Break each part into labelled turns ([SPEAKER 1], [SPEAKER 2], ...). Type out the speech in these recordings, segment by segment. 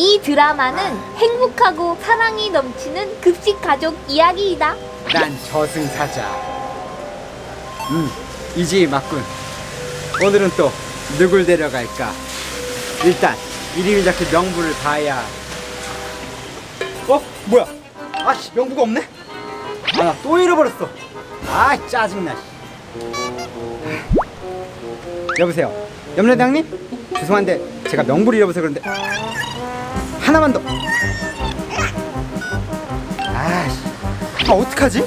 [SPEAKER 1] 이 드라마는 행복하고 사랑이 넘치는 급식 가족 이야기이다.
[SPEAKER 2] 난 저승사자. 이 집이 맞군. 오늘은 또 누굴 데려갈까? 일단 이름이 적힌 명부를 봐야. 뭐야? 아씨, 명부가 없네? 아, 나 또 잃어버렸어. 아, 짜증나. 여보세요, 염려대장님? 죄송한데 제가 명부를 잃어버려서 그런데 하나만 더. 아씨, 어떡하지?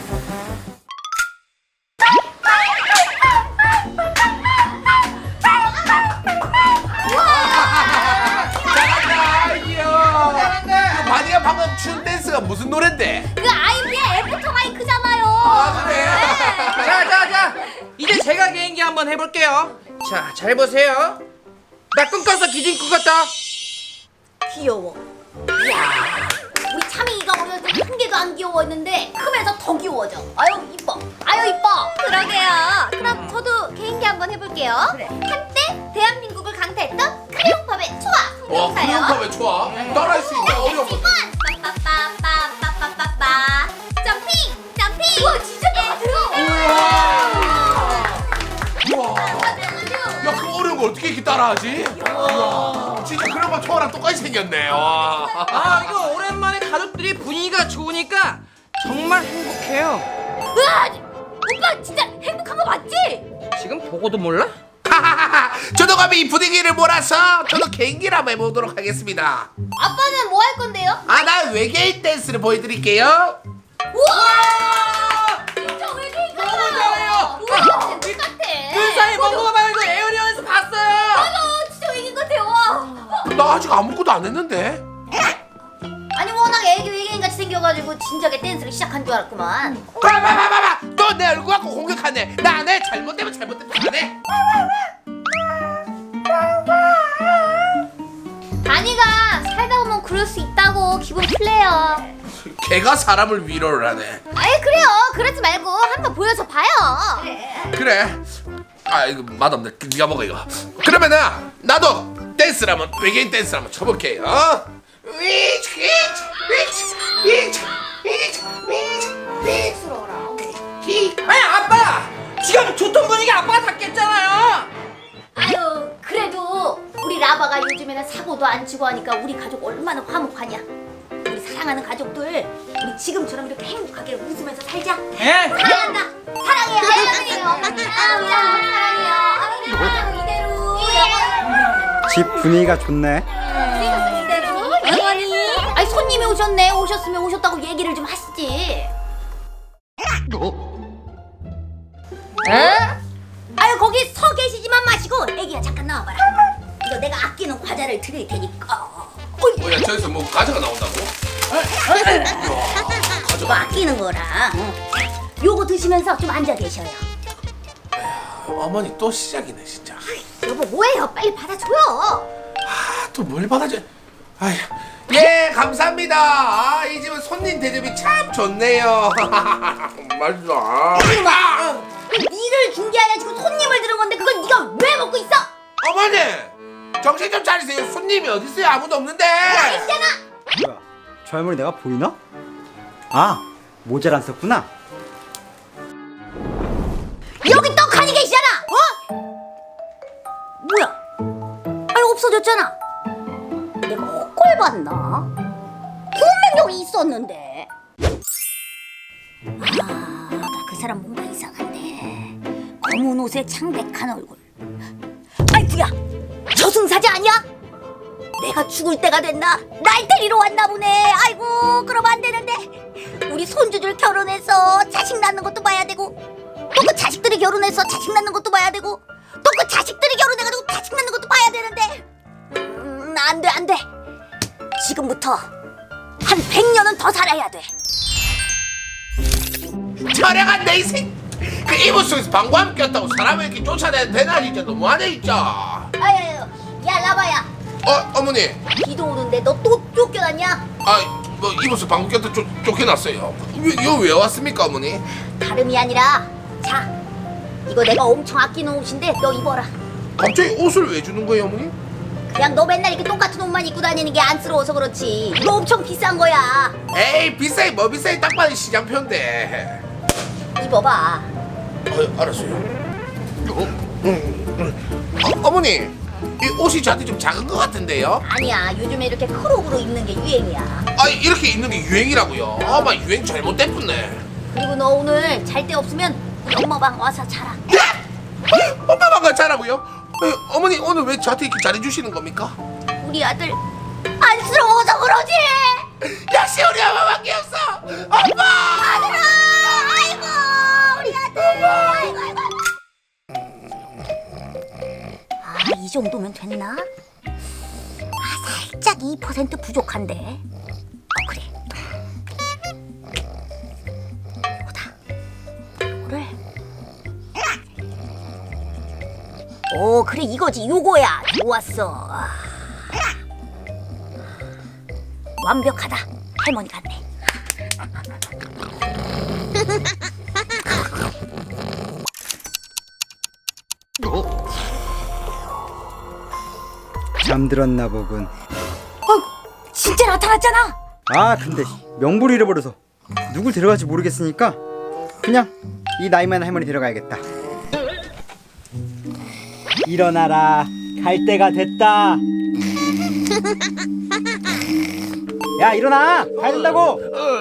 [SPEAKER 3] 바디가 방금 춘 댄스가 무슨 노랜데?
[SPEAKER 1] 그 아이비의 애프터 마이크잖아요.
[SPEAKER 3] 아, 그래?
[SPEAKER 4] 자, 이제 제가 개인기 한번 해볼게요. 자, 잘 보세요. 나 꿈꿔서 기진꾸 같다.
[SPEAKER 1] 귀여워. 이야, 우리 차밍이가 어렸을 때 한 개도 안 귀여웠는데 크면서 더 귀여워져. 아유 이뻐. 아유 이뻐. 그러게요. 그럼 저도 개인기 한번 해볼게요. 그래. 한때 대한민국을 강타했던 크레용팝의 초아
[SPEAKER 3] 와,
[SPEAKER 1] 성대모사요.
[SPEAKER 3] 크레용팝의 초아? 따라할 수 있냐? 어려운 거.
[SPEAKER 1] 빠빠빠빠빠빠빠빠 점핑 점핑. 와 진짜
[SPEAKER 3] 우와. 야, 그 어려운 거 어떻게 이렇게 따라하지? 이야, 진짜 그런 거 초아랑 똑같이 생겼네. 와.
[SPEAKER 4] 아, 이거 오랜만에 가족들이 분위기가 좋으니까 정말 행복해요.
[SPEAKER 1] 으아! 오빠 진짜 행복한 거 맞지?
[SPEAKER 4] 지금 보고도 몰라?
[SPEAKER 3] 저도 감히 이 분위기를 몰아서 저도 개인기를 한번 해보도록 하겠습니다.
[SPEAKER 1] 아빠는 뭐 할 건데요?
[SPEAKER 3] 아, 나 외계인 댄스를 보여드릴게요.
[SPEAKER 1] 우와! 진짜 외계인 같아요.
[SPEAKER 4] 너무 잘해요.
[SPEAKER 1] 우와, 진짜 똑같아.
[SPEAKER 4] 그 사이 먹어봐요 에어리언에서 봤어요.
[SPEAKER 1] 맞아, 진짜 외계인 같아요. 와.
[SPEAKER 3] 나 아직 아무것도 안 했는데.
[SPEAKER 1] 아니 워낙 애기 외계인 같이 생겨가지고 진작에 댄스를 시작한 줄 알았구만.
[SPEAKER 3] 봐봐, 너 내 얼굴 갖고 공격하네. 나 안 해. 잘못되면 잘못되면 안 해.
[SPEAKER 1] 다니가 살다 보면 그럴 수 있다고 기분 풀래요.
[SPEAKER 3] 걔가 사람을 위로를 하네.
[SPEAKER 1] 아이 그래요. 그러지 말고 한번 보여줘 봐요.
[SPEAKER 3] 그래. 아, 이거 맛없네. 네가 먹어 이거. 그러면은 나도 댄스를 한번 외계인 댄스를 한번 쳐볼게.
[SPEAKER 4] 아니, 아빠! 지금 좋던 분위기 아빠가 다 깼잖아요.
[SPEAKER 1] 아유 그래도 우리 라바가 요즘에는 사고도 안 치고 하니까 우리 가족 얼마나 화목하냐. 우리 사랑하는 가족들 우리 지금처럼 이렇게 행복하게 웃으면서 살자.
[SPEAKER 4] 예?
[SPEAKER 1] 사랑한다. 사랑해요. 사랑해요. 사랑해요. 아유 이대로.
[SPEAKER 2] 집 분위기가 좋네.
[SPEAKER 1] 이대로 영원히. 아니 손님이 오셨네. 오셨으면 오셨다고 얘기를 좀 하시지. 응? 아유 거기 서 계시지만 마시고 애기야 잠깐 나와봐라. 이거 내가 아끼는 과자를 드릴 테니까.
[SPEAKER 3] 뭐야, 저기서 뭐 과자가 나온다고?
[SPEAKER 1] 이거 아끼는 거라. 요거 드시면서 좀 앉아 계셔요.
[SPEAKER 3] 어머니 또 시작이네 진짜.
[SPEAKER 1] 여보 뭐예요? 빨리 받아줘요.
[SPEAKER 3] 아, 또 뭘 받아줘? 아휴. 예, 감사합니다. 아, 이 집은 손님 대접이 참 좋네요. 맛있어.
[SPEAKER 1] 니를 준 게 아니라 지금 손님을 들은 건데 그걸 네가 왜 먹고 있어?
[SPEAKER 3] 어머니, 정신 좀 차리세요. 손님이 어디 있어요? 아무도 없는데.
[SPEAKER 1] 있잖아.
[SPEAKER 2] 뭐야, 저 할머니 내가 보이나? 아, 모자를 안 썼구나.
[SPEAKER 1] 여기 떡하니 계시잖아. 뭐야? 아니 없어졌잖아. 내가 헛걸 봤나? 분명 여기 있었는데. 아, 아까 그 사람 뭔가 이상한데. 검은 옷에 창백한 얼굴. 아이쿠야, 저승사자 아니야? 내가 죽을 때가 됐나? 날 데리러 왔나 보네. 아이고, 그럼 안 되는데. 우리 손주들 결혼해서 자식 낳는 것도 봐야 되고, 또 그 자식들이 결혼해서 자식 낳는 것도 봐야 되고, 또 그 자식들이 결혼해가지고 자식 낳는 것도 봐야 되는데. 안 돼. 지금부터 한 100년은 더 살아야 돼.
[SPEAKER 3] 촬영한 내 인생. 그 이불 속에서 방구함 꼈다고 사람을 이렇게 쫓아내야 되나 진짜 너무하네 진짜.
[SPEAKER 1] 아유, 야 라바야.
[SPEAKER 3] 어머니.
[SPEAKER 1] 비도 오는데 너 또 쫓겨났냐?
[SPEAKER 3] 아, 뭐 이불 속 방구 꼈다 쫓겨났어요. 이거 왜 왔습니까 어머니?
[SPEAKER 1] 다름이 아니라 자, 이거 내가 엄청 아끼는 옷인데 너 입어라.
[SPEAKER 3] 갑자기 옷을 왜 주는 거예요 어머니?
[SPEAKER 1] 그냥 너 맨날 이렇게 똑같은 옷만 입고 다니는 게 안쓰러워서 그렇지. 이거 엄청 비싼 거야.
[SPEAKER 3] 에이 비싸이 뭐 비싸이 딱 봐도 시장표인데.
[SPEAKER 1] 입어봐.
[SPEAKER 3] 알았어요. 어머니 이 옷이 저한테 좀 작은 것 같은데요?
[SPEAKER 1] 아니야, 요즘에 이렇게 크롭으로 입는 게 유행이야.
[SPEAKER 3] 아 이렇게 입는 게 유행이라고요? 아마 유행 잘못됐네.
[SPEAKER 1] 그리고 너 오늘 잘 데 없으면 우리 엄마 방 와서 자라.
[SPEAKER 3] 엄마가 잘하고요? 어머니 오늘 왜 저한테 이렇게 잘해주시는 겁니까?
[SPEAKER 1] 우리 아들 안쓰러워서 그러지.
[SPEAKER 3] 역시 우리 엄마밖에 없어. 엄마!
[SPEAKER 1] 아들아, 아이고 우리 아들. 아이고 아이고. 이 정도면 됐나? 살짝 2% 부족한데. 그래. 이거다. 이거를. 오, 그래 이거지. 요거야. 좋았어. 완벽하다. 할머니 같네.
[SPEAKER 2] 잠들었나 보군.
[SPEAKER 1] 진짜 나타났잖아.
[SPEAKER 2] 아 근데 명부를 잃어버려서 누굴 데려갈지 모르겠으니까 그냥 이 나이 많은 할머니 데려가야겠다. 일어나라, 갈 때가 됐다. 야 일어나, 가야 된다고.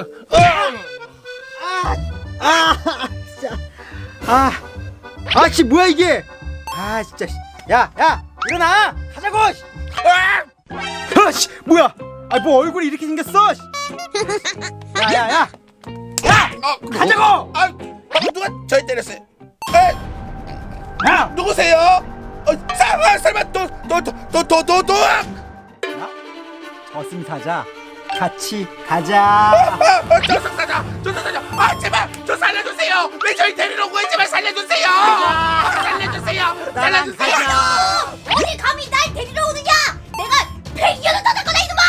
[SPEAKER 2] 씨 뭐야 이게? 진짜. 야 일어나, 가자고. 씨 뭐야? 뭐 얼굴이 이렇게 생겼어? 야 가자고.
[SPEAKER 3] 방금 누가 저희 때렸어요?
[SPEAKER 2] 야
[SPEAKER 3] 누구세요? 설마 너
[SPEAKER 2] 저승사자 같이 가자.
[SPEAKER 3] 저승사자 제발 저 살려주세요. 왜 저희 데리러 온 거예요? 제발 살려주세요. 살려주세요.
[SPEAKER 1] 어디 감히 날 데리러 오느냐? 내가 폐기어를 떠날 거다 이놈아!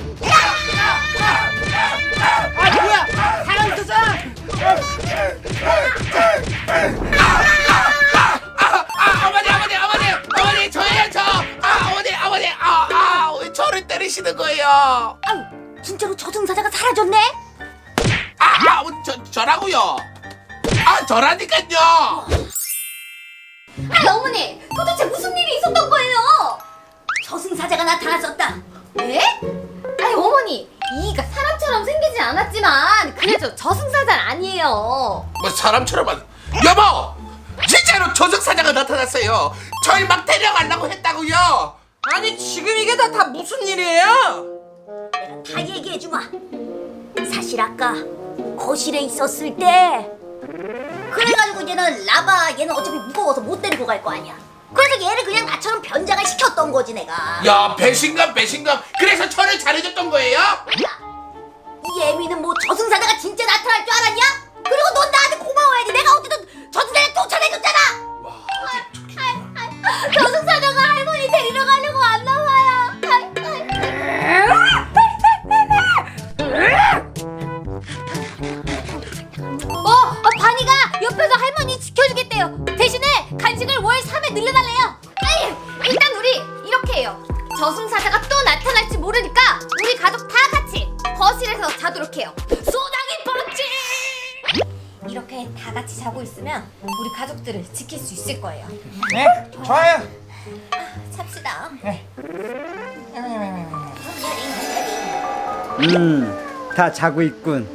[SPEAKER 2] 뭐야? 사람 있었잖아.
[SPEAKER 3] 어머니 저예요 저. 어머니 왜 저를 때리시는 거예요?
[SPEAKER 1] 아유, 진짜로 저승사자가 사라졌네?
[SPEAKER 3] 저라고요. 저라니까요.
[SPEAKER 1] 어머니, 도대체 무슨 일이 있었던 거예요? 저승사자가 나타났었다.
[SPEAKER 5] 네? 아니 어머니 이가 사람처럼 생기진 않았지만 그래도 저승사자는 아니에요.
[SPEAKER 3] 뭐 사람처럼 여보 진짜로 저승사자가 나타났어요. 저희 막 데려가려고 했다고요.
[SPEAKER 4] 아니 지금 이게 다 무슨 일이에요?
[SPEAKER 1] 다 얘기해주마. 사실 아까 거실에 있었을 때 그래가지고 얘는 어차피 무거워서 못 데리고 갈 거 아니야. 그래서 얘를 그냥 나처럼 변장을 시켰던 거지 내가.
[SPEAKER 3] 야 배신감. 그래서 저를 잘해줬던 거예요?
[SPEAKER 1] 이 애미는 뭐 저승사자가 진짜 나타날 줄 알았냐? 그리고 넌 나한테 고마워야지. 내가 어쨌든 저승사자 쫓아내줬잖아. 저승사자가 할머니 데리러 가려고 왔나 봐요.
[SPEAKER 5] 바니가 옆에서 할머니 지켜주겠대요. 대신에 간식을 월 3회 늘려달래요. 아니 일단 우리 이렇게 해요. 저승사자가 또 나타날지 모르니까 우리 가족 다 같이 거실에서 자도록 해요. 소나기 펀치! 이렇게 다 같이 자고 있으면 우리 가족들을 지킬 수 있을 거예요.
[SPEAKER 4] 네, 좋아요.
[SPEAKER 5] 찹시다.
[SPEAKER 2] 다 자고 있군.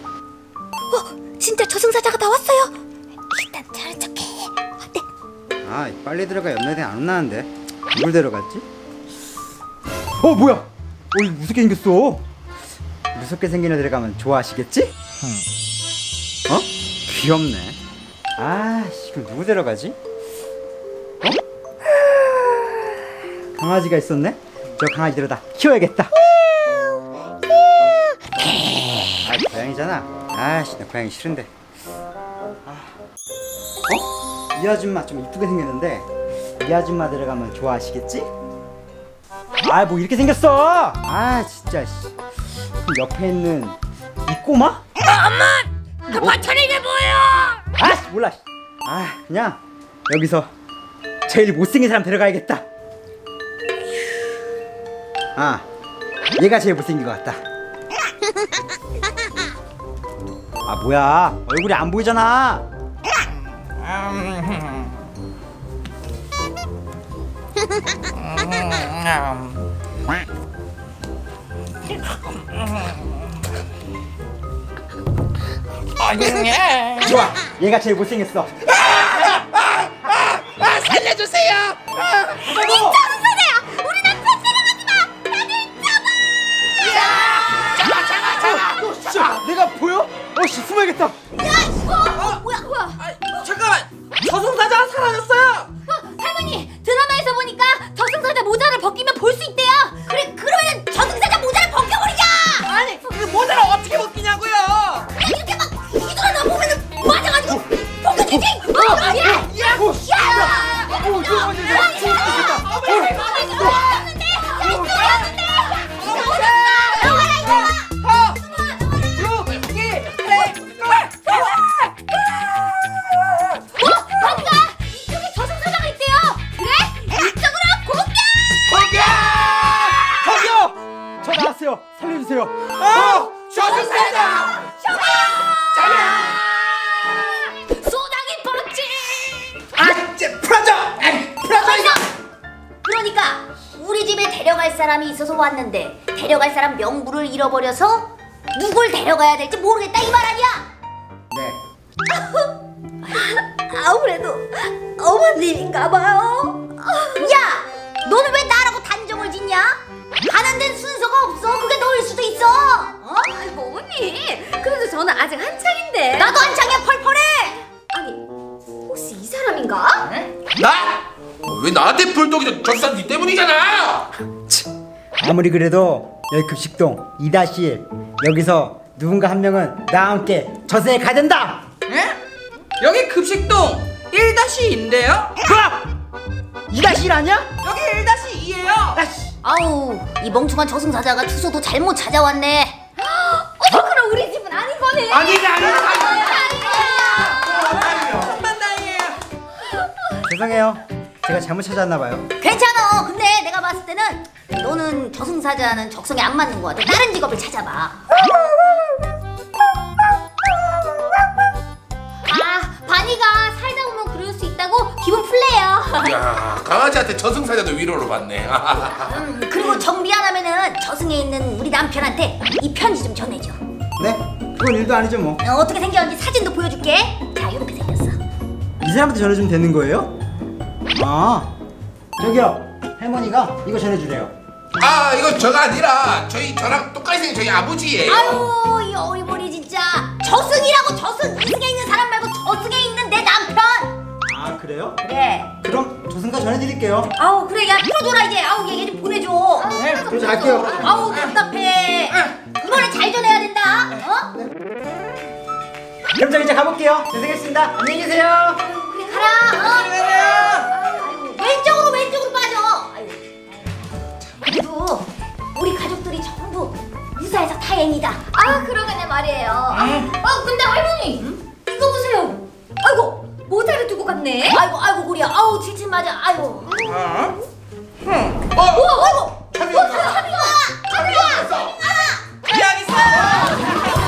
[SPEAKER 1] 진짜 저승사자가 나왔어요. 일단 잘한 척해. 어때?
[SPEAKER 2] 빨리 들어가. 옆날에 안 온다는데 누굴 데려갔지? 뭐야? 이거 무섭게 생겼어. 무섭게 생긴 애 데려가면 좋아하시겠지? 귀엽네. 그럼 누구 데려가지? 강아지가 있었네? 저 강아지 데려다 키워야겠다. 고양이잖아. 나 고양이 싫은데. 이 아줌마 좀 이쁘게 생겼는데 이 아줌마 데려가면 좋아하시겠지? 뭐 이렇게 생겼어. 진짜. 옆에 있는 이 꼬마?
[SPEAKER 1] 엄마! 그 버튼이 이게 뭐예요?
[SPEAKER 2] 몰라. 그냥 여기서 제일 못생긴 사람 데려가야겠다. 아, 얘가 제일 못생긴 것 같다. 아, 뭐야? 얼굴이 안 보이잖아. 좋아, 얘가 제일 못생겼어.
[SPEAKER 3] 살려주세요.
[SPEAKER 5] 저승사자야! 우리 남편 데려가지 마! 나는
[SPEAKER 2] 자, 내가 보여? 어씨, 숨어야겠다.
[SPEAKER 5] 뭐야?
[SPEAKER 4] 잠깐만, 저승사자가 사라졌어요.
[SPEAKER 5] 할머니, 드라마에서 보니까 저승사자 모자를 벗기면 볼 수 있대요. 그래, 그러면 저승사자 모자를 벗겨버리자.
[SPEAKER 4] 아니, 그 모자를 어떻게 벗기냐고요?
[SPEAKER 5] 그냥 이렇게 막 휘두르다 보면은 맞아가지고 벗겨지지. 반가! 이쪽에 저승사자가 있대요. 그래? 이쪽으로 공격!
[SPEAKER 2] 저기요! 저 나왔어요. 살려주세요.
[SPEAKER 3] 저승사자.
[SPEAKER 5] 소나기 펀치!
[SPEAKER 3] 아, 이제 풀어줘. 풀어줘 이거.
[SPEAKER 1] 그러니까 우리 집에 데려갈 사람이 있어서 왔는데 데려갈 사람 명부를 잃어버려서 누굴 데려가야 될지 모르겠다 이 말 아니야?
[SPEAKER 2] 네.
[SPEAKER 1] 아무래도 어머님인가 봐요. 야, 너는 왜 나라고 단정을 짓냐? 가는 데는 순서가 없어. 그게 너일 수도 있어. 어?
[SPEAKER 5] 아이고 어머니, 그래도 저는 아직 한창인데.
[SPEAKER 1] 나도 한창이야. 펄펄해.
[SPEAKER 5] 아니, 혹시 이 사람인가?
[SPEAKER 3] 나? 왜 나한테 불독이 저승사자 니 때문이잖아.
[SPEAKER 2] 아무리 그래도 여기 급식동 2-1 여기서 누군가 한 명은 나와 함께 저승에 가야 된다.
[SPEAKER 4] 예? 여기 급식동 1-2인데요?
[SPEAKER 2] 2-1 아니야?
[SPEAKER 4] 여기 1-2예요.
[SPEAKER 1] 아우, 이 멍청한 저승사자가 투소도 잘못 찾아왔네.
[SPEAKER 5] 그럼 우리 집은 아닌 거네.
[SPEAKER 3] 아니지.
[SPEAKER 4] 천만 다행이에요.
[SPEAKER 2] 죄송해요. 제가 잘못 찾아왔나 봐요.
[SPEAKER 1] 괜찮아. 근데 내가 봤을 때는 너는 저승사자는 적성에 안 맞는 것 같아. 다른 직업을 찾아봐.
[SPEAKER 5] 아, 바니가 살다 보면 그럴 수 있다고 기분 풀래요.
[SPEAKER 3] 야, 강아지한테 저승사자도 위로를 받네.
[SPEAKER 1] 그리고 정비 안 하면은 저승에 있는 우리 남편한테 이 편지 좀 전해줘.
[SPEAKER 2] 네? 그건 일도 아니죠 뭐.
[SPEAKER 1] 어떻게 생겼는지 사진도 보여줄게. 자, 이렇게 생겼어.
[SPEAKER 2] 이 사람한테 전해주면 되는 거예요? 아, 저기요. 할머니가 이거 전해주래요.
[SPEAKER 3] 아, 이거 저가 아니라 저랑 똑같이 생긴 저희 아버지예요.
[SPEAKER 1] 아유, 이 어리버리 진짜. 저승이라고. 저승. 이승에 있는 사람 말고 저승에 있는 내 남편.
[SPEAKER 2] 아, 그래요?
[SPEAKER 1] 그래.
[SPEAKER 2] 그럼 조승가 전해드릴게요.
[SPEAKER 1] 아우, 그래. 야, 풀어줘라 이제. 아우, 얘 좀 보내줘.
[SPEAKER 2] 네, 그럼 갈게요.
[SPEAKER 1] 아우, 답답해. 이번에 잘 전해야 된다. 어?
[SPEAKER 2] 그럼 저 이제 가볼게요. 죄송했습니다. 안녕히 계세요.
[SPEAKER 1] 그래, 가라. 아이고, 왼쪽으로 빠져. 아이고. 그래도 우리 가족들이 전부 무사해서 다행이다.
[SPEAKER 5] 아, 그러겠네 말이에요. 근데 할머니, 이거 보세요. 아이고, 모자를 두고 갔네.
[SPEAKER 1] 아이고, 우리야. 아우, 칠칠 맞아. 아이고.
[SPEAKER 3] 아이고. 차비가 있어.
[SPEAKER 4] 여기 있어.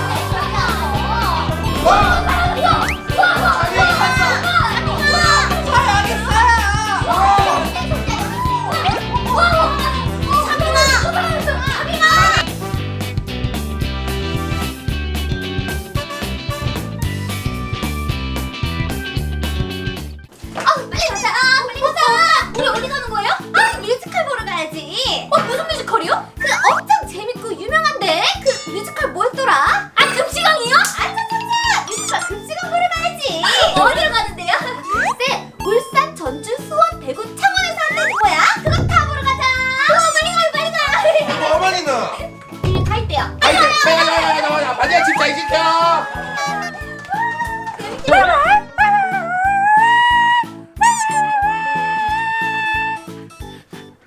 [SPEAKER 5] 빨리 가자. 우리 어디 가는 거예요? 아, 뮤지컬 보러 가야지. 무슨 뮤지컬이요? 그 엄청 재밌고 유명한데 그 뮤지컬 뭐였더라?